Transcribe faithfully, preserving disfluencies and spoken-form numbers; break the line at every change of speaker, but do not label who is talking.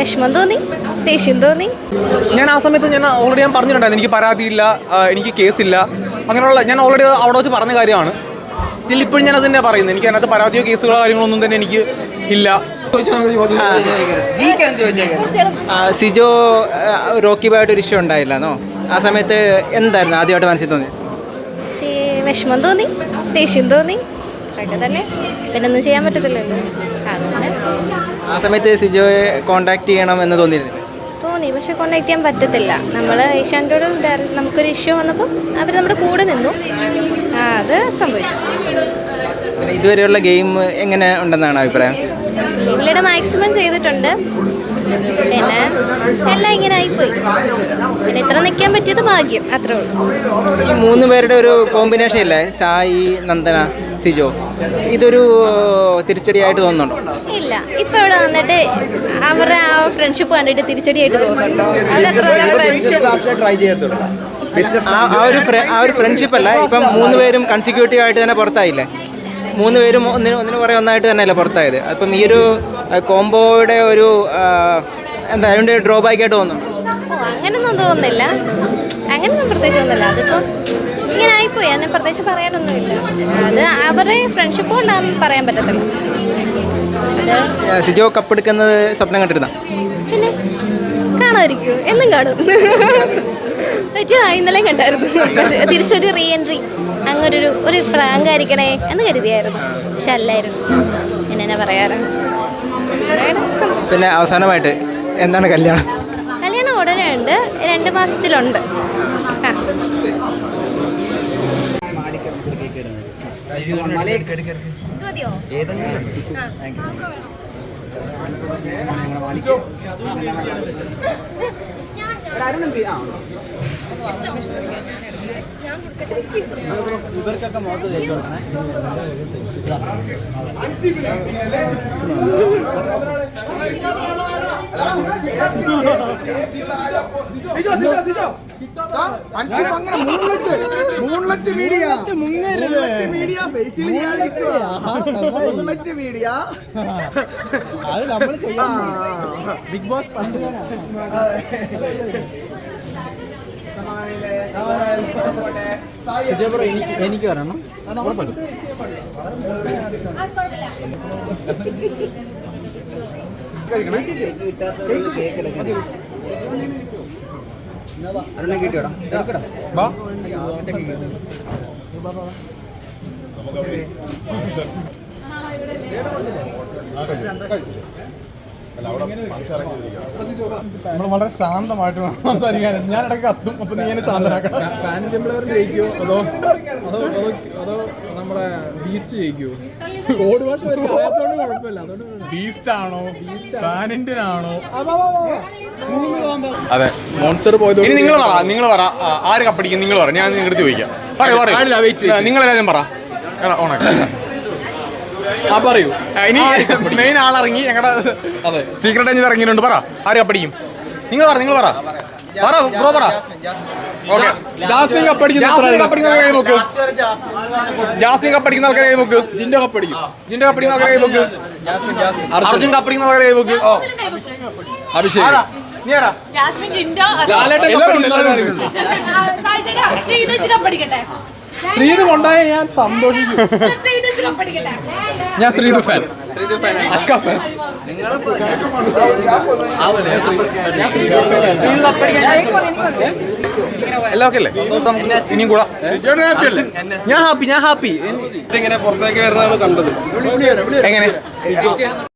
വിഷമം തോന്നി, ദേഷ്യം തോന്നി.
ഞാൻ ആ സമയത്ത് ഞാൻ ഓൾറെഡി ഞാൻ പറഞ്ഞിട്ടുണ്ടായിരുന്നു എനിക്ക് പരാതിയില്ല, എനിക്ക് കേസില്ല, അങ്ങനെയുള്ള ഞാൻ ഓൾറെഡി അവിടെ വെച്ച് പറഞ്ഞ കാര്യമാണ്. സ്റ്റിൽ ഇപ്പോഴും ഞാൻ അത് തന്നെയാണ് പറയുന്നത്. എനിക്ക് അതിനകത്ത് പരാതിയോ കേസുകളോ കാര്യങ്ങളൊന്നും തന്നെ എനിക്ക് ഇല്ല.
സിജോ റോക്കി ബായിട്ട് ഒരു ഇഷ്യൂ ഉണ്ടായില്ലെന്നോ? ആ സമയത്ത് എന്തായിരുന്നു ആദ്യമായിട്ട് മനസ്സിൽ തോന്നി?
വിഷമം തോന്നി, ദേഷ്യം തോന്നി, അതൊക്കെ തന്നെ. പിന്നെ ഒന്നും ചെയ്യാൻ പറ്റത്തില്ലല്ലോ.
ആ സമയത്ത് സിജോയെ കോണ്ടാക്ട് ചെയ്യണം എന്ന് തോന്നിയിരുന്നു?
തോന്നി, പക്ഷെ കോണ്ടാക്ട് ചെയ്യാൻ പറ്റത്തില്ല. നമ്മൾ ഏഷ്യാനെറ്റോട് നമുക്കൊരു ഇഷ്യൂ വന്നപ്പോൾ അവർ നമ്മുടെ കൂടെ നിന്നു. ആ അത് സംഭവിച്ചു.
പിന്നെ ഇതുവരെയുള്ള ഗെയിം എങ്ങനെ ഉണ്ടെന്നാണ് അഭിപ്രായം?
ഗെയിമിലൂടെ മാക്സിമം ചെയ്തിട്ടുണ്ട്. പിന്നെ എല്ലാം ഇങ്ങനെ ആയിപ്പോയി. പിന്നെ ഇത്ര നിൽക്കാൻ പറ്റിയത് ഭാഗ്യം, അത്രേ ഉള്ളൂ.
ഈ മൂന്ന് പേരുടെ ഒരു കോമ്പിനേഷൻ ഇല്ലേ, സായി, നന്ദന, സിജോ, ഇതൊരു തിരിച്ചടിയായിട്ട് തോന്നുന്നുണ്ടോ? ഇല്ല, ഇപ്പൊ ഇവിടെ വന്നിട്ട് അവരുടെ ആ ഫ്രണ്ട്ഷിപ്പ് കണ്ടിട്ട് തിരിച്ചടിയായിട്ട് തോന്നുന്നുണ്ടോ? ആ ഒരു ആ ഒരു ഫ്രണ്ട്ഷിപ്പ് അല്ല, ഇപ്പം മൂന്ന് പേരും കൺസിക്യൂട്ടീവ് ആയിട്ട് തന്നെ പുറത്തായില്ലേ? മൂന്ന് പേരും ഒന്നിന് ഒന്നിന് പുറകെ ഒന്നായിട്ട് തന്നെയല്ലേ പുറത്തായത്. അപ്പം ഈ ഒരു കോംബോയുടെ ഒരു എന്താ അതിൻ്റെ ഡ്രോബാക്ക് ആയിട്ട് തോന്നുന്നു?
ഓ അങ്ങനൊന്നും തോന്നുന്നില്ല, അങ്ങനൊന്നും പ്രത്യേകിച്ച് ഒന്നുമില്ല. അതിപ്പോൾ ഇങ്ങനെ ആയിപ്പോയി, അതിനെ പ്രത്യേകിച്ച് പറയാനൊന്നുമില്ല. അത് അവരുടെ ഫ്രണ്ട്ഷിപ്പ് കൊണ്ടാണെന്ന് പറയാൻ പറ്റത്തില്ല.
സിജോ കപ്പെടുക്കുന്നത് സ്വപ്നം കണ്ടിരുന്ന?
പിന്നെ കാണാതിരിക്കുമോ? എന്നും കാണും. പറ്റിയ ഇന്നലെയും കണ്ടായിരുന്നു. തിരിച്ചൊരു റീ എൻട്രി അങ്ങനൊരു ഒരു പ്രാങ്കായിരിക്കണേ എന്ന് കരുതിയായിരുന്നു, പക്ഷെ അല്ലായിരുന്നു. എന്നെ പറയാറ്.
പിന്നെ അവസാനമായിട്ട് എന്താണ് കല്യാണം?
കല്യാണം ഉടനെ ഉണ്ട്, രണ്ട് മാസത്തിലുണ്ട്. ആ
ഇവർക്കൊക്കെ മോട്ട് തേച്ചോളണേ. ബിഗ് ബോസ് എനിക്ക് വരണം. കിട്ടിയോടാ
നമ്മൾ വളരെ ശാന്തമായിട്ട് സംസാരിക്കാൻ. ഞാൻ ഇടയ്ക്ക് കത്തും, അപ്പൊ നീ എന്നെ ശാന്തനാക്കണം.
ജയിക്കുമോ അതോ അതോ അതോ അതോ നമ്മുടെ ബീസ്റ്റ് ജയിക്കുമോ? കോഡ് ഭാഷ അറിയാത്തതുകൊണ്ട് കുഴപ്പമില്ല. അതുകൊണ്ട്
ബീസ്റ്റ് ആണോ പാനിന്റൻ ആണോ?
അതെ,
മോൺസ്റ്റർ പോയത്.
ഇനി നിങ്ങൾ പറ, നിങ്ങൾ പറ ആര് കപ്പടിക്കും? നിങ്ങൾ പറ, ഞാൻ നിങ്ങളുടെ ചോദിക്കാം. പറയൂ പറയൂ, നിങ്ങളെല്ലാവരും പറ. എടാ ഓണാക്കി
ആ പറയൂ.
ഇനി മെയിൻ ആളിറങ്ങി, ഞങ്ങളുടെ സീക്രട്ട് ഏജന്റ് ഇറങ്ങിയിട്ടുണ്ട്. പറ ആര് കപ്പടിക്കും? നിങ്ങൾ പറ, നിങ്ങൾ പറ പറ ബ്രോ പറ. ഓക്കെ,
ജാസ്മിൻ കപ്പടിക്കുന്ന
കപ്പടിക്കുന്ന കൈ നോക്ക്. ജാസ്മിൻ കപ്പടിക്കുന്ന ആൾക്കാരെ കൈ നോക്ക്.
ജിൻഡോ കപ്പടിക്കും.
ജിൻഡോ കപ്പടിക്കുന്ന ആൾക്കാരെ കൈ നോക്ക്. അർജുൻ കപ്പടിക്കുന്ന ആൾക്കാരെ കൈ നോക്ക്.
അഭിഷേക് ശ്രീത് കൊണ്ടായ ഞാൻ സന്തോഷിക്കും. ഞാൻ ശ്രീതു ഫാൻ, അക്ക ഫാൻ.
എല്ലാം ഓക്കെ അല്ലേ? ഇനിയും കൂടാ. ഞാൻ ഹാപ്പി, ഞാൻ ഹാപ്പി.
ഇങ്ങനെ പുറത്തേക്ക് വരുന്നതാണ് കണ്ടത്.
എങ്ങനെ?